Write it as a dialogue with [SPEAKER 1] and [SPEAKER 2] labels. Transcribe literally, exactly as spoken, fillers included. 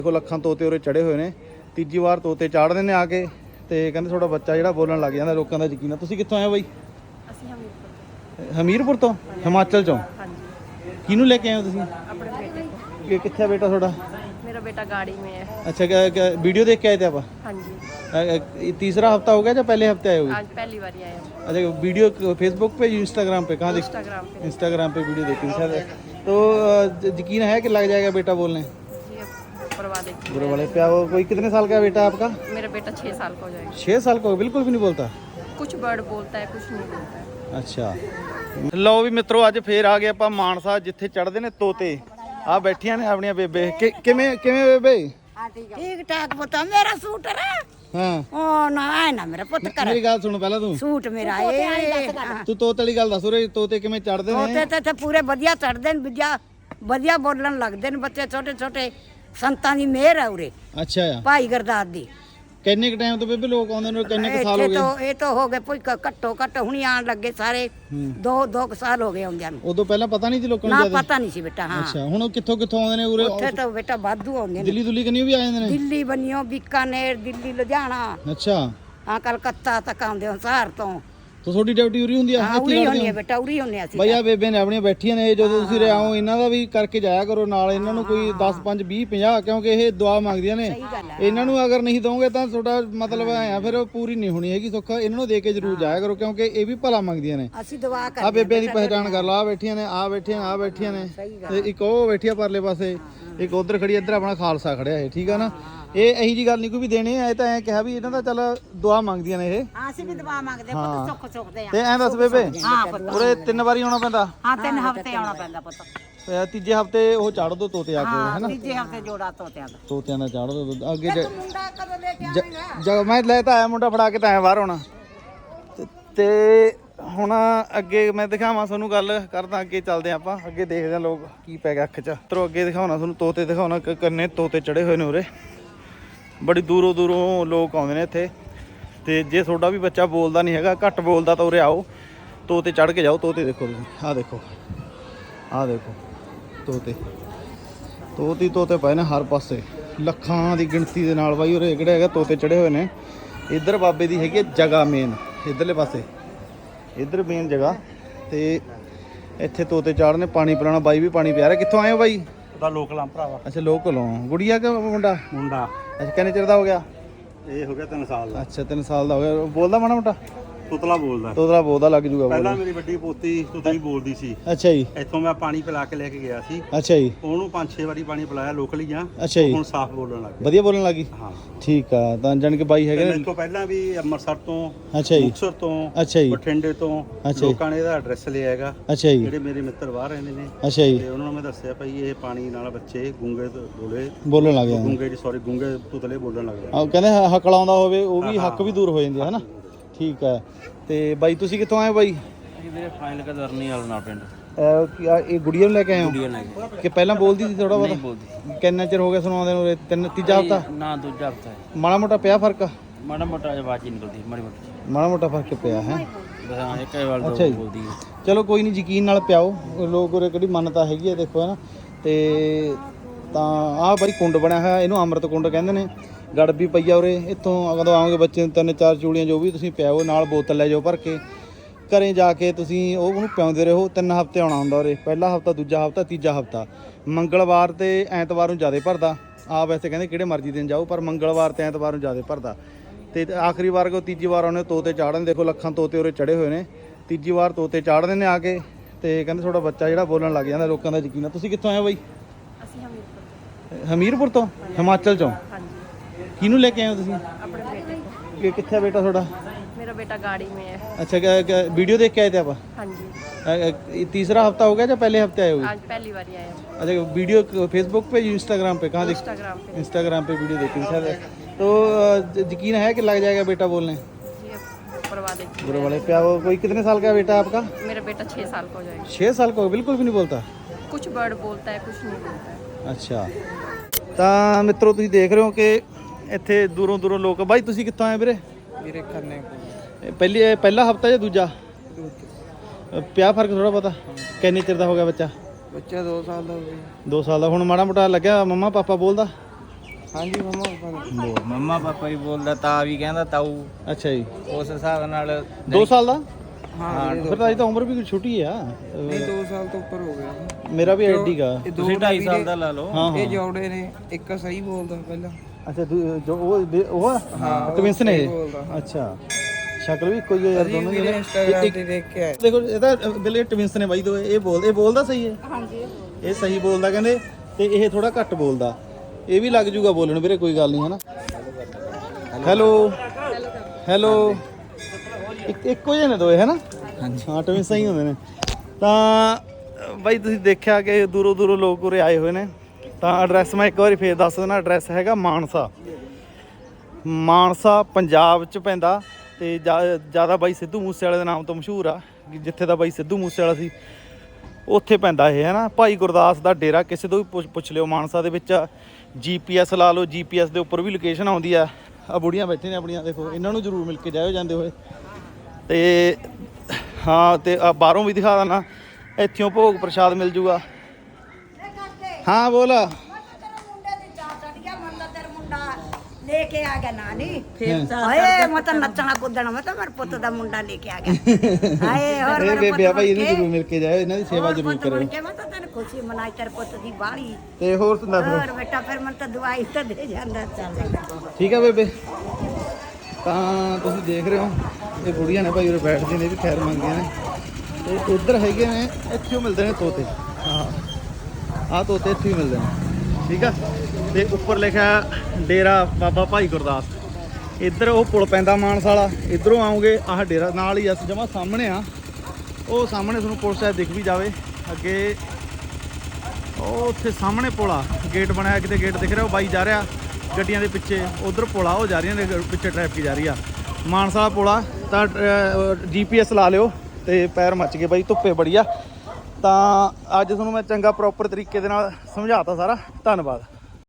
[SPEAKER 1] देखो ਲੱਖਾਂ ਤੋਤੇ ਉਰੇ ਚੜੇ ਹੋਏ ਨੇ। ਤੀਜੀ ਵਾਰ ਤੋਤੇ ਚਾੜਦੇ ਨੇ ਆ ਕੇ ਤੇ ਕਹਿੰਦੇ ਤੁਹਾਡਾ ਬੱਚਾ ਜਿਹੜਾ ਬੋਲਣ ਲੱਗ ਜਾਂਦਾ, ਲੋਕਾਂ ਦਾ ਯਕੀਨ ਆ। ਤੁਸੀਂ ਕਿੱਥੋਂ ਆਏ ਹੋ ਬਾਈ?
[SPEAKER 2] ਅਸੀਂ ਹਮੀਰਪੁਰ ਤੋਂ।
[SPEAKER 1] ਹਮੀਰਪੁਰ ਤੋਂ, ਹਿਮਾਚਲ ਚੋਂ।
[SPEAKER 2] ਹਾਂਜੀ।
[SPEAKER 1] ਕਿਹਨੂੰ ਲੈ ਕੇ ਆਏ ਹੋ ਤੁਸੀਂ?
[SPEAKER 2] ਆਪਣੇ ਬੇਟੇ को।
[SPEAKER 1] ਕਿ ਕਿੱਥੇ ਬੇਟਾ ਤੁਹਾਡਾ?
[SPEAKER 2] मेरा बेटा गाड़ी में है।
[SPEAKER 1] अच्छा, क्या, क्या वीडियो देख के आए थे आप?
[SPEAKER 2] हाँ जी।
[SPEAKER 1] अ, अ, तीसरा हफ्ता हो गया या पहले हफ्ते आए हो?
[SPEAKER 2] आज पहली बार आए हम।
[SPEAKER 1] अच्छा, वीडियो फेसबुक पे, इंस्टाग्राम पे कहाँ देख?
[SPEAKER 2] इंस्टाग्राम पे।
[SPEAKER 1] इंस्टाग्राम पे वीडियो देखी शायद। तो अ, यकीन है कि लग जाएगा बेटा बोलने?
[SPEAKER 2] जी, अब करवा देंगे।
[SPEAKER 1] बुरे वाले प्या वो कोई कितने साल का है बेटा आपका?
[SPEAKER 2] मेरा बेटा छः साल का हो जाएगा।
[SPEAKER 1] छः साल का हो, बिल्कुल भी नहीं बोलता?
[SPEAKER 2] कुछ वर्ड बोलता है, कुछ नहीं बोलता है।
[SPEAKER 1] ਅੱਛਾ ਲਓ ਵੀ ਮਿੱਤਰੋ, ਅੱਜ ਫੇਰ ਆ ਗਏ ਆਪਾਂ ਮਾਨਸਾ, ਜਿੱਥੇ ਚੜਦੇ ਨੇ ਤੋਤੇ। ਆ ਬੈਠੀਆਂ ਨੇ ਆਪਣੀਆਂ ਬੇਬੇ। ਕਿ- ਕਿਵੇਂ ਕਿਵੇਂ ਬੇਬੇ?
[SPEAKER 3] ठीक ठाक पुत मेरा सूट है
[SPEAKER 1] ਹਾਂ
[SPEAKER 3] ओ ना आए ना मेरा पुत कर
[SPEAKER 1] ਮੇਰੀ ਗੱਲ ਸੁਣ ਪਹਿਲਾਂ ਤੂੰ।
[SPEAKER 3] सूट मेरा ए
[SPEAKER 1] ਤੂੰ ਤੋਤੇ ਵਾਲੀ ਗੱਲ ਦੱਸ ਉਰੇ ਤੋਤੇ ਕਿਵੇਂ ਚੜਦੇ
[SPEAKER 3] होते
[SPEAKER 1] ਨੇ?
[SPEAKER 3] ते थे पूरे बढ़िया चढ़ते ने बढ़िया बढ़िया बोलन लगते ने बच्चे छोटे छोटे संतां दी मेहर है उरे
[SPEAKER 1] ਅੱਛਾ ਆ।
[SPEAKER 3] भाई गुरदास दी
[SPEAKER 1] ਕਿੰਨੇ ਕ ਟਾਈਮ ਤੋਂ ਬੇਬੇ ਲੋਕ ਆਉਂਦੇ ਨੇ? ਕਿੰਨੇ ਕ ਸਾਲ ਹੋ
[SPEAKER 3] इत्थे तो
[SPEAKER 1] ਗਏ?
[SPEAKER 3] ये तो हो गए कोई घट्टो घट हुणी आन लगे सारे दो दो क साल हो गए आंदियां नु
[SPEAKER 1] ਉਦੋਂ ਪਹਿਲਾਂ ਪਤਾ ਨਹੀਂ ਸੀ ਲੋਕਾਂ
[SPEAKER 3] ना
[SPEAKER 1] ਨੂੰ ਜਿਆਦਾ?
[SPEAKER 3] पता नहीं सी बेटा हां
[SPEAKER 1] ਅੱਛਾ, ਹੁਣ ਉਹ ਕਿੱਥੋਂ ਕਿੱਥੋਂ ਆਉਂਦੇ ਨੇ ਉਰੇ?
[SPEAKER 3] उत्थे तो बेटा वाधू आंदे ने
[SPEAKER 1] ਦਿੱਲੀ ਦੁੱਲੀ ਕਨੀ ਵੀ ਆ ਜਾਂਦੇ ਨੇ?
[SPEAKER 3] दिल्ली बनियो बीकानेर दिल्ली लुधियाना
[SPEAKER 1] ਅੱਛਾ,
[SPEAKER 3] हां कलकत्ता तक आंदे हो शहर तो
[SPEAKER 1] ਤਾਂ ਤੁਹਾਡੀ ਡਿਊਟੀ ਉਰੀ ਹੁੰਦੀ ਆ?
[SPEAKER 3] हां उरी होनी है बेटा उरी होने ਅਸੀਂ
[SPEAKER 1] ਬਈ ਆ ਬੇਬੇ ਨੇ ਆਪਣੀਆਂ ਬੈਠੀਆਂ ਨੇ, ਜਦੋਂ ਤੁਸੀਂ ਰੇ ਆਓ ਇਹਨਾਂ ਦਾ ਵੀ ਕਰਕੇ ਜਾਇਆ ਕਰੋ ਨਾਲ। ਇਹਨਾਂ ਨੂੰ ਕੋਈ ਦਸ ਪੰਜ ਵੀਹ ਪੰਜਾਹ, ਕਿਉਂਕਿ ਇਹ ਦੁਆ ਮੰਗਦੀਆਂ ਨੇ। ਇਹਨਾਂ ਨੂੰ ਅਗਰ ਨਹੀਂ ਦੋਗੇ ਤਾਂ ਤੁਹਾਡਾ ਮਤਲਬ ਐ ਫਿਰ ਪੂਰੀ ਨਹੀਂ ਹੋਣੀ ਹੈਗੀ ਸੁੱਖ। ਇਹਨਾਂ ਨੂੰ ਦੇ ਕੇ ਜ਼ਰੂਰ ਜਾਇਆ ਕਰੋ, ਕਿਉਂਕਿ ਇਹ ਵੀ ਭਲਾ ਮੰਗਦੀਆਂ ਨੇ।
[SPEAKER 3] ਅਸੀਂ ਦੁਆ
[SPEAKER 1] ਆ
[SPEAKER 3] ਕਰਦੇ
[SPEAKER 1] ਬੇਬੇ ਦੀ ਪਹਿਚਾਣ ਕਰ ਲਾ। ਆ ਬੈਠੀਆਂ ਨੇ, ਆ ਬੈਠੀਆਂ, ਆ ਬੈਠੀਆਂ ਨੇ, ਤੇ ਇੱਕ ਉਹ ਬੈਠੀ ਆ ਪਰਲੇ ਪਾਸੇ, ਇੱਕ ਉਧਰ ਖੜੀ, ਇੱਧਰ ਆਪਣਾ ਖਾਲਸਾ ਖੜਿਆ ਹੈ। ਠੀਕ ਆ ਨਾ? ਇਹ ਇਹੀ ਜੀ ਗੱਲ ਨਹੀਂ ਕੋਈ ਵੀ ਦੇਣੀ ਐ, ਤਾਂ ਐ ਕਿਹਾ ਵੀ ਇਹਨਾਂ ਦਾ ਚੱਲ ਦੁਆ ਮੰਗਦੀਆਂ ਨੇ ਇਹ।
[SPEAKER 3] ਹਾਂ ਅਸੀਂ ਵੀ ਦੁਆ ਮੰਗਦੇ ਪੁੱਤ ਸੁੱਖ ਸੁੱਖਦੇ ਆ
[SPEAKER 1] ਤੇ ਐਂ ਦੱਸ ਬੇਬੇ,
[SPEAKER 3] ਹਾਂ ਪੁੱਤ
[SPEAKER 1] ਉਰੇ ਤਿੰਨ ਵਾਰੀ ਆਉਣਾ ਪੈਂਦਾ?
[SPEAKER 3] ਹਾਂ ਤਿੰਨ ਹਫ਼ਤੇ ਆਉਣਾ ਪੈਂਦਾ ਪੁੱਤ
[SPEAKER 1] ਤੇ ਤੀਜੇ ਹਫਤੇ ਉਹ ਚਾੜ ਦੋ ਤੋਤੇ ਆ ਕੇ,
[SPEAKER 3] ਹਾਂ
[SPEAKER 1] ਹੈਨਾ?
[SPEAKER 3] ਤੀਜੇ ਹਫ਼ਤੇ ਜੋੜਾ ਤੋਤਿਆਂ ਦਾ
[SPEAKER 1] ਤੋਤਿਆਂ ਦਾ ਚਾੜ ਦੋ ਅੱਗੇ। ਜ-
[SPEAKER 3] ਮੁੰਡਾ ਕਦੋਂ ਲੈ ਕੇ
[SPEAKER 1] ਜ- ਜਦ ਮੈਂ ਲੈ ਤਾਂ ਆਇਆ ਮੁੰਡਾ ਫੜਾ ਕੇ, ਤਾਂ ਆਇਆ ਬਾਹਰ ਹੋਣਾ। ਤੇ- ਤੇ ਹੁਣ ਅੱਗੇ ਮੈਂ ਦਿਖਾਵਾਂ ਤੁਹਾਨੂੰ, ਗੱਲ ਕਰਦਾ, ਅੱਗੇ ਚੱਲਦੇ ਆਪਾਂ, ਅੱਗੇ ਦੇਖਦੇ ਆ ਲੋਕ ਕੀ ਪੈ ਗਿਆ ਅੱਖ 'ਚ। ਤਰੋ ਅੱਗੇ ਦਿਖਾਉਣਾ ਤੁਹਾਨੂੰ, ਤੋਤੇ ਦਿਖਾਉਣਾ, ਕੰਨੇ ਤੋਤੇ ਚੜੇ ਹੋਏ ਨੇ ਉਰੇ। ਬੜੀ ਦੂਰੋਂ ਦੂਰੋਂ ਲੋਕ ਆਉਂਦੇ ਨੇ ਇੱਥੇ। ਤੇ ਜੇ ਤੁਹਾਡਾ ਵੀ ਬੱਚਾ ਬੋਲਦਾ ਨਹੀਂ ਹੈਗਾ, ਘੱਟ ਬੋਲਦਾ, ਤਾਂ ਉਰੇ ਆਓ, ਤੋਤੇ ਚੜ ਕੇ ਜਾਓ। ਤੋਤੇ ਦੇਖੋ ਤੁਸੀਂ, ਆਹ ਦੇਖੋ, ਆਹ ਦੇਖੋ ਤੋਤੇ, ਤੋਤੇ ਤੋਤੇ ਪਏ ਨੇ ਹਰ ਪਾਸੇ, ਲੱਖਾਂ ਦੀ ਗਿਣਤੀ ਦੇ ਨਾਲ। ਬਾਈ ਉਰੇ ਕਿਹੜੇ ਹੈਗਾ ਤੋਤੇ ਚੜੇ ਹੋਏ ਨੇ। ਇੱਧਰ ਬਾਬੇ ਦੀ ਹੈਗੀ ਜਗ੍ਹਾ ਮੇਨ, ਇੱਧਰਲੇ ਪਾਸੇ, ਇੱਧਰ ਮੇਨ ਜਗ੍ਹਾ। ਤੇ ਇੱਥੇ ਤੋਤੇ ਚਾੜਨੇ, ਪਾਣੀ ਪਿਲਾਉਣਾ। ਬਾਈ ਵੀ ਪਾਣੀ ਪਿਆ ਰਿਹਾ। ਕਿੱਥੋਂ ਆਏ ਹੋ ਬਾਈ?
[SPEAKER 4] ਉਹਦਾ ਲੋਕਲਾਂ ਭਰਾਵਾ।
[SPEAKER 1] ਅੱਛਾ, ਲੋਕਲੋਂ। ਗੁੜੀਆ ਕਿ ਮੁੰਡਾ?
[SPEAKER 4] ਮੁੰਡਾ।
[SPEAKER 1] ਅੱਛਾ, ਕਿੰਨੇ ਚਿਰ ਦਾ ਹੋ ਗਿਆ?
[SPEAKER 4] ਇਹ ਹੋ ਗਿਆ ਤਿੰਨ ਸਾਲ ਦਾ।
[SPEAKER 1] ਅੱਛਾ, ਤਿੰਨ ਸਾਲ ਦਾ ਹੋ ਗਿਆ। ਬੋਲਦਾ ਮਾੜਾ ਮੋਟਾ?
[SPEAKER 4] ਤੁਤਲਾ ਬੋਲਦਾ।
[SPEAKER 1] ਤੋਤਲਾ ਬੋਲਦਾ, ਲੱਗ ਜੂਗਾ
[SPEAKER 4] ਪਹਿਲਾਂ
[SPEAKER 1] ਬੋਲਣ।
[SPEAKER 4] ਮੇਰੀ ਵੱਡੀ ਪੋਤੀ ਤੁਤਲੀ ਬੋਲਦੀ ਸੀ।
[SPEAKER 1] ਅੱਛਾ ਜੀ,
[SPEAKER 4] ਇੱਥੋਂ ਮੈਂ ਪਾਣੀ ਪਿਲਾ ਕੇ ਲੈ ਕੇ ਗਿਆ ਸੀ,
[SPEAKER 1] ਅੱਛਾ ਜੀ,
[SPEAKER 4] ਉਹਨੂੰ ਪੰਜ ਛੇ ਵਾਰੀ ਪਾਣੀ ਪਿਲਾਇਆ ਲੋਕਲੀਆਂ।
[SPEAKER 1] ਅੱਛਾ ਜੀ,
[SPEAKER 4] ਹੁਣ ਸਾਫ਼ ਬੋਲਣ ਲੱਗ
[SPEAKER 1] ਵਧੀਆ ਬੋਲਣ ਲੱਗੀ।
[SPEAKER 4] ਗਿਆ। ਹਾਂ,
[SPEAKER 1] ਠੀਕ ਆ, ਤਾਂ ਜਾਣ ਕੇ ਬਾਈ ਹੈਗੇ
[SPEAKER 4] ਇਸ
[SPEAKER 1] ਨੇ।
[SPEAKER 4] ਤੋਂ ਪਹਿਲਾਂ ਵੀ ਅੰਮ੍ਰਿਤਸਰ ਤੋਂ,
[SPEAKER 1] ਅੱਛਾ ਜੀ,
[SPEAKER 4] ਮੁਕਤਸਰ ਤੋਂ,
[SPEAKER 1] ਅੱਛਾ ਜੀ,
[SPEAKER 4] ਬਠਿੰਡੇ ਤੋਂ
[SPEAKER 1] ਅੱਛਾ ਜੀ।
[SPEAKER 4] ਲੋਕਾਂ ਨੇ ਇਹਦਾ ਐਡਰੈਸ ਲਿਆ ਹੈਗਾ।
[SPEAKER 1] ਅੱਛਾ ਜੀ,
[SPEAKER 4] ਜਿਹੜੇ ਮੇਰੇ ਮਿੱਤਰ ਬਾਹਰ ਰਹਿੰਦੇ ਨੇ,
[SPEAKER 1] ਅੱਛਾ ਜੀ,
[SPEAKER 4] ਤੇ ਉਹਨਾਂ ਨੂੰ ਮੈਂ ਦੱਸਿਆ ਭਾਈ ਇਹ ਪਾਣੀ ਨਾਲ ਬੱਚੇ ਗੂੰਗੇ ਤੋਂ ਬੋਲੇ,
[SPEAKER 1] ਬੋਲਣ ਲੱਗ ਜਾਂਦੇ।
[SPEAKER 4] ਗੂੰਗੇ ਦੀ ਸੌਰੀ ਗੂੰਗੇ ਤੁਤਲੇ ਬੋਲਣ ਲੱਗ ਜਾਂਦੇ।
[SPEAKER 1] ਆ ਕਹਿੰਦੇ ਹੱਕ ਲਾਉਂਦਾ ਹੋਵੇ ਉਹ ਵੀ ਹੱਕ ਵੀ ਦੂਰ ਹੋ ਜਾਂਦੇ, ਹੈ ਨਾ? ਠੀਕ ਹੈ। ਤੇ ਬਾਈ ਤੁਸੀਂ ਕਿੱਥੋਂ ਆਏ ਹੋ ਬਾਈ?
[SPEAKER 5] ਅਸੀਂ ਵੀਰੇ ਫਾਈਲ ਕਦਰਨੀ ਵਾਲਾ ਨਾ ਪਿੰਡ
[SPEAKER 1] ਅਹ ਕੀ ਆ ਇਹ ਗੁੜੀਆ ਨੂੰ ਲੈ ਕੇ ਆਏ ਹੋ?
[SPEAKER 5] ਕੁੜੀਆਂ ਲੈ ਕੇ
[SPEAKER 1] ਕਿ ਪਹਿਲਾਂ ਬੋਲਦੀ ਸੀ ਥੋੜਾ
[SPEAKER 5] ਨਹੀਂ
[SPEAKER 1] ਬਹੁਤ?
[SPEAKER 5] ਬੋਲਦੀ
[SPEAKER 1] ਕਿੰਨਾ ਚਿਰ ਹੋ ਗਿਆ ਸੁਣਾਉਂਦੇ ਨੂੰ? ਉਰੇ ਤਿੰਨ ਤੀਜਾ ਹਫਤਾ?
[SPEAKER 5] ਨਾ ਦੂਜਾ ਹਫਤਾ ਹੈ।
[SPEAKER 1] ਮਾੜਾ ਮੋਟਾ ਪਿਆ ਫਰਕ?
[SPEAKER 5] ਮਾੜਾ ਮੋਟਾ ਜਿਹਾ ਆਵਾਜ਼ ਹੀ ਨਿਕਲਦੀ ਮਾੜੀ ਮੋਟੀ,
[SPEAKER 1] ਮਾੜਾ ਮੋਟਾ ਫਰਕ ਪਿਆ ਹੈ।
[SPEAKER 5] ਬਸ ਹਾਂ ਇੱਕ ਹੀ ਵਾਰ
[SPEAKER 1] ਅੱਛਾ ਜੀ।
[SPEAKER 5] ਬੋਲਦੀ ਹੈ।
[SPEAKER 1] ਚਲੋ ਕੋਈ ਨਹੀਂ, ਯਕੀਨ ਨਾਲ ਪਿਆਓ। ਲੋਕ ਉਰੇ ਕਿਹੜੀ ਮੰਨਤਾ ਹੈਗੀ ਹੈ, ਦੇਖੋ ਹੈ ਨਾ। ਤੇ ਤਾਂ ਆਹ ਬਾਈ ਕੁੰਡ ਬਣਿਆ ਹੋਇਆ, ਇਹਨੂੰ ਅੰਮ੍ਰਿਤ ਕੁੰਡ ਕਹਿੰਦੇ ਨੇ। ਗੜ ਵੀ ਪਈਆ ਉਰੇ। ਇੱਥੋਂ ਕਦੋਂ ਆਓਗੇ ਬੱਚੇ ਨੂੰ ਤਿੰਨ ਚਾਰ ਚੂੜੀਆਂ ਜੋ ਵੀ ਤੁਸੀਂ ਪਿਆਓ, ਨਾਲ ਬੋਤਲ ਲੈ ਜਾਓ ਭਰ ਕੇ। ਘਰੇ ਜਾ ਕੇ ਤੁਸੀਂ ਉਹ ਉਹਨੂੰ ਪਿਆਉਂਦੇ ਰਹੋ। ਤਿੰਨ ਹਫ਼ਤੇ ਆਉਣਾ ਹੁੰਦਾ ਉਰੇ, ਪਹਿਲਾ ਹਫ਼ਤਾ, ਦੂਜਾ ਹਫ਼ਤਾ, ਤੀਜਾ ਹਫ਼ਤਾ। ਮੰਗਲਵਾਰ ਤੇ ਐਤਵਾਰ ਨੂੰ ਜ਼ਿਆਦਾ ਭਰਦਾ। ਆ ਵੈਸੇ ਕਹਿੰਦੇ ਕਿਹੜੇ ਮਰਜ਼ੀ ਦਿਨ ਜਾਓ, ਪਰ ਮੰਗਲਵਾਰ ਤੇ ਐਤਵਾਰ ਨੂੰ ਜ਼ਿਆਦਾ ਭਰਦਾ। ਤੇ ਆਖਰੀ ਵਾਰ ਕੋ ਤੀਜੀ ਵਾਰ ਉਹਨੇ ਤੋਤੇ ਚਾੜਨ। ਦੇਖੋ ਲੱਖਾਂ ਤੋਤੇ ਉਰੇ ਚੜੇ ਹੋਏ ਨੇ। ਤੀਜੀ ਵਾਰ ਤੋਤੇ ਚਾੜਦੇ ਨੇ ਆ ਕੇ, ਤੇ ਕਹਿੰਦੇ ਤੁਹਾਡਾ ਬੱਚਾ ਜਿਹੜਾ ਬੋਲਣ ਲੱਗ ਜਾਂਦਾ, ਲੋਕਾਂ ਦਾ ਯਕੀਨ ਆ। ਤੁਸੀਂ ਕਿੱਥੋਂ ਆਏ ਹੋ ਬਾਈ?
[SPEAKER 2] ਅਸੀਂ ਹਮੀਰਪੁਰ ਤੋਂ।
[SPEAKER 1] ਹਮੀਰਪੁਰ ਤੋਂ, ਹਿਮਾਚਲ ਚੋਂ।
[SPEAKER 2] हाँ जी।
[SPEAKER 1] ਕਿਹਨੂੰ ਲੈ ਕੇ ਆਏ ਹੋ ਤੁਸੀਂ?
[SPEAKER 2] अपने बेटे को।
[SPEAKER 1] ਕਿ ਕਿੱਥੇ ਬੇਟਾ ਤੁਹਾਡਾ?
[SPEAKER 2] मेरा बेटा गाड़ी में है।
[SPEAKER 1] अच्छा, क्या, क्या वीडियो देख के आए थे आप?
[SPEAKER 2] हाँ जी।
[SPEAKER 1] अ, अ, तीसरा हफ्ता हो गया या पहले हफ्ते आए हो?
[SPEAKER 2] आज पहली बार आए हम।
[SPEAKER 1] अच्छा, वीडियो फेसबुक पे, इंस्टाग्राम पे कहाँ देख?
[SPEAKER 2] इंस्टाग्राम पे।
[SPEAKER 1] इंस्टाग्राम पे वीडियो देखी शायद। तो अ, यकीन है कि लग जाएगा बेटा बोलने?
[SPEAKER 2] जी, अब करवा देंगे।
[SPEAKER 1] बुरे वाले प्या वो कोई कितने साल का है बेटा आपका?
[SPEAKER 2] मेरा बेटा छः साल का हो जाएगा।
[SPEAKER 1] छः साल का हो, बिल्कुल भी नहीं बोलता?
[SPEAKER 2] कुछ वर्ड बोलता है, कुछ नहीं बोलता है।
[SPEAKER 1] ਅੱਛਾ, ਤਾਂ ਮਿੱਤਰੋ ਤੁਸੀਂ ਦੇਖ ਰਹੇ ਹੋ ਕਿ ਇੱਥੇ ਦੂਰੋਂ ਦੂਰੋਂ ਲੋਕ। ਬਾਈ ਤੁਸੀਂ ਕਿੱਥੋਂ ਆਏ ਵੀਰੇ?
[SPEAKER 5] ਵੀਰੇ ਖੰਨੇ
[SPEAKER 1] ਇਹ ਪਹਿਲੀ ਇਹ ਪਹਿਲਾ ਹਫਤਾ ਜਾਂ ਦੂਜਾ? ਅ, ਪਿਆ ਫਰਕ ਥੋੜਾ ਪਤਾ? ਕਿੰਨੇ ਚਿਰ ਦਾ ਹੋ ਗਿਆ ਬੱਚਾ?
[SPEAKER 5] ਬੱਚਾ ਦੋ ਸਾਲ ਦਾ ਹੋ ਗਿਆ।
[SPEAKER 1] ਦੋ ਸਾਲ ਦਾ। ਹੁਣ ਮਾੜਾ ਮੋਟਾ ਲੱਗਿਆ ਮੰਮਾ ਪਾਪਾ ਬੋਲਦਾ?
[SPEAKER 5] ਹਾਂਜੀ ਮੰਮਾ ਪਾਪਾ ਮੰਮਾ ਪਾਪਾ ਹੀ ਬੋਲਦਾ ਤਾਂ ਵੀ ਕਹਿੰਦਾ ਤਾਊ
[SPEAKER 1] ਅੱਛਾ ਜੀ
[SPEAKER 5] ਉਸ ਹਿਸਾਬ ਨਾਲ
[SPEAKER 1] ਦੋ ਸਾਲ ਦਾ
[SPEAKER 5] ਹਾਂ
[SPEAKER 1] ਫਿਰ ਤਾਂ ਅਜੇ ਤਾਂ ਉਮਰ ਵੀ ਛੋਟੀ ਆ
[SPEAKER 6] ਨਹੀਂ ਦੋ ਸਾਲ ਤੋਂ ਉੱਪਰ ਹੋ ਗਿਆ
[SPEAKER 1] ਮੇਰਾ ਵੀ ਐਡੀ ਗਾ
[SPEAKER 6] ਇਹ ਦੋ
[SPEAKER 5] ਤੁਸੀਂ ਢਾਈ
[SPEAKER 6] ਨੇ
[SPEAKER 5] ਸਾਲ
[SPEAKER 6] ਵੀਰੇ,
[SPEAKER 5] ਦਾ ਲਾ ਲਓ
[SPEAKER 1] ਹਾਂ
[SPEAKER 6] ਇਹ
[SPEAKER 1] ਹਾਂ
[SPEAKER 6] ਜੋੜੇ ਨੇ ਇੱਕ ਸਹੀ ਬੋਲਦਾ ਪਹਿਲਾਂ
[SPEAKER 1] ਅੱਛਾ ਦੂ- ਜੋ ਉਹ ਦੇ- ਉਹ ਆ?
[SPEAKER 6] ਹਾਂ,
[SPEAKER 1] ਟਵਿੰਸ ਨੇ
[SPEAKER 6] ਸਹੀ
[SPEAKER 1] ਇਹ?
[SPEAKER 6] ਬੋਲਦਾ।
[SPEAKER 1] ਅੱਛਾ ਸ਼ਕਲ ਵੀ ਇੱਕੋ ਹੀ ਆ ਯਾਰ
[SPEAKER 6] ਅਸੀਂ
[SPEAKER 1] ਦੋਨੋਂ
[SPEAKER 6] ਵੀਰੇ
[SPEAKER 1] ਜਿਹੜੇ
[SPEAKER 6] ਇੰਸਟਾਗ੍ਰਾਮ
[SPEAKER 1] ਇੱਕ-
[SPEAKER 6] ਤੇ ਦੇਖ ਕੇ ਆਏ
[SPEAKER 1] ਦੇਖੋ ਇਹਦਾ ਬਿਲੇ ਟਵਿੰਸ ਨੇ ਬਾਈ ਦੋ ਇਹ ਬੋਲ ਇਹ ਬੋਲਦਾ ਸਹੀ ਹੈ ਹਾਂਜੀ ਇਹ ਸਹੀ ਬੋਲਦਾ ਕਹਿੰਦੇ ਤੇ ਇਹ ਥੋੜਾ ਘੱਟ ਬੋਲਦਾ ਇਹ ਵੀ ਲੱਗ ਜੂਗਾ ਬੋਲਣ ਵੀਰੇ ਕੋਈ ਗੱਲ ਨਹੀਂ ਹਨਾ ਹੈਲੋ ਹੈਲੋ ਇੱਕ ਇੱਕੋ ਜਿਹੇ ਨੇ ਦੋਏ ਹੈ ਨਾ ਹਾਂਜੀ ਹਾਂ ਟਵਿੰਸ ਸਹੀ ਹੁੰਦੇ ਨੇ ਤਾਂ ਬਾਈ ਤੁਸੀਂ ਦੇਖਿਆ ਕਿ ਦੂਰੋਂ ਦੂਰੋਂ ਲੋਕ ਉਰੇ ਆਏ ਹੋਏ ਨੇ ਤਾਂ ਐਡਰੈਸ ਮੈਂ ਇੱਕ ਵਾਰੀ ਫੇਰ ਦੱਸ ਦਿੰਦਾ ਐਡਰੈਸ ਹੈਗਾ ਮਾਨਸਾ ਮਾਨਸਾ ਪੰਜਾਬ ਚ ਪੈਂਦਾ ਤੇ ਜਿਆਦਾ ਬਾਈ ਸਿੱਧੂ ਮੂਸੇ ਵਾਲੇ ਦੇ ਨਾਮ ਤੋਂ ਮਸ਼ਹੂਰ ਆ ਜਿੱਥੇ ਦਾ ਬਾਈ ਸਿੱਧੂ ਮੂਸੇ ਵਾਲਾ ਸੀ ਉੱਥੇ ਪੈਂਦਾ ਇਹ ਹੈ ਨਾ ਭਾਈ ਗੁਰਦਾਸ ਦਾ ਡੇਰਾ ਕਿਸੇ ਤੋਂ ਵੀ ਪੁੱਛ ਪੁੱਛ ਲਿਓ ਮਾਨਸਾ ਦੇ ਵਿੱਚ ਜੀਪੀਐਸ ਲਾ ਲਓ ਜੀਪੀਐਸ ਦੇ ਉੱਪਰ ਵੀ ਲੋਕੇਸ਼ਨ ਆਉਂਦੀ ਆ ਆ ਬੁੜੀਆਂ ਬੈਠੇ ਨੇ ਆਪਣੀਆਂ ਦੇਖੋ ਇਹਨਾਂ ਨੂੰ ਜ਼ਰੂਰ ਮਿਲ ਕੇ ਜਾਇਓ ਜਾਂਦੇ ਹੋਏ ਤੇ ਹਾਂ ਤੇ ਆ ਬਾਹਰੋਂ ਵੀ ਦਿਖਾ ਦੇਣਾ ਇੱਥੋਂ ਭੋਗ ਪ੍ਰਸ਼ਾਦ ਮਿਲ ਜੂਗਾ ਹਾਂ ਬੋਲ
[SPEAKER 3] ਲੈ ਕੇ ਆ ਗਿਆ ਨਾਨੀ ਹਾਏ ਮੈਂ ਤਾਂ ਨੱਚਣਾ ਕੁੱਦਣਾ ਮੈਂ ਤਾਂ ਮੇਰੇ ਪੁੱਤ ਦਾ ਮੁੰਡਾ ਲੈ ਕੇ ਆ ਗਿਆ ਹਾਏ ਹੋਰ
[SPEAKER 1] ਇਹ
[SPEAKER 3] ਮੇਰੇ
[SPEAKER 1] ਬੇਬੇ ਆ
[SPEAKER 3] ਪੁੱਤ
[SPEAKER 1] ਭਾਈ ਇਹਨੂੰ
[SPEAKER 3] ਬਣ
[SPEAKER 1] ਜ਼ਰੂਰ ਮਿਲ ਕੇ ਜਾਇਓ ਇਹਨਾਂ ਦੀ ਸੇਵਾ
[SPEAKER 3] ਹੋਰ
[SPEAKER 1] ਜ਼ਰੂਰ
[SPEAKER 3] ਪੁੱਤ ਬਣ
[SPEAKER 1] ਕਰਿਓ
[SPEAKER 3] ਕੇ ਮੈਂ ਤਾਂ ਤੈਨੂੰ ਖੁਸ਼ੀ ਮਨਾਈ ਤੇਰੇ ਪੁੱਤ ਦੀ ਬਾਹਲੀ
[SPEAKER 1] ਤੇ ਹੋਰ ਸੁਣਾ ਫਿਰ
[SPEAKER 3] ਹੋਰ ਬੇਟਾ ਫਿਰ ਮੈਂ ਤਾਂ ਦਵਾਈ ਤਾਂ ਦੇ ਜਾਂਦਾ ਚੱਲ
[SPEAKER 1] ਠੀਕ ਆ ਬੇਬੇ ਤਾਂ ਤੁਸੀਂ ਦੇਖ ਰਹੇ ਹੋ ਇਹ ਬੁੜੀਆਂ ਨੇ ਭਾਈ ਉਰੇ ਬੈਠਦੀਆਂ ਨੇ ਇਹ ਵੀ ਖੈਰ ਮੰਗਦੀਆਂ ਨੇ ਤੇ ਉੱਧਰ ਹੈਗੇ ਨੇ ਇੱਥੇ ਮਿਲਦੇ ਨੇ ਤੋਤੇ ਹਾਂ ਆਹ ਤੋਤੇ ਇੱਥੇ ਹੀ ਮਿਲਦੇ ਨੇ ਠੀਕ ਆ ਤੇ ਉੱਪਰ ਲਿਖਿਆ ਡੇਰਾ ਬਾਬਾ ਭਾਈ ਗੁਰਦਾਸ ਇੱਧਰ ਉਹ ਪੁਲ ਪੈਂਦਾ ਮਾਨਸਾ ਵਾਲਾ ਇੱਧਰੋਂ ਆਉਂਗੇ ਆਹ ਡੇਰਾ ਨਾਲ ਹੀ ਅਸੀਂ ਜਮਾ ਸਾਹਮਣੇ ਆ ਉਹ ਸਾਹਮਣੇ ਤੁਹਾਨੂੰ ਪੁਲ ਸ਼ਾਇਦ ਦਿਖ ਵੀ ਜਾਵੇ ਅੱਗੇ ਉਹ ਉੱਥੇ ਸਾਹਮਣੇ ਪੁਲ ਆ ਗੇਟ ਬਣਾਇਆ ਕਿਤੇ ਗੇਟ ਦਿਖ ਰਿਹਾ ਉਹ ਬਾਈ ਜਾ ਰਿਹਾ ਗੱਡੀਆਂ ਦੇ ਪਿੱਛੇ ਉਧਰ ਪੁਲ ਆ ਉਹ ਜਾ ਰਹੀਆਂ ਨੇ ਪਿੱਛੇ ਟ੍ਰੈਫਿਕ ਜਾ ਰਹੀ ਆ ਮਾਨਸਾ ਵਾਲਾ ਪੁਲ ਆ ਤਾਂ ਜੀਪੀਐਸ ਲਾ ਲਿਓ ਤੇ ਪੈਰ ਮੱਚ ਗਏ ਬਾਈ ਧੁੱਪੇ ਬੜੀ ਆ ਤਾਂ ਅੱਜ ਤੁਹਾਨੂੰ ਮੈਂ ਚੰਗਾ ਪ੍ਰੋਪਰ ਤਰੀਕੇ ਦੇ ਨਾਲ ਸਮਝਾਤਾ ਸਾਰਾ ਧੰਨਵਾਦ।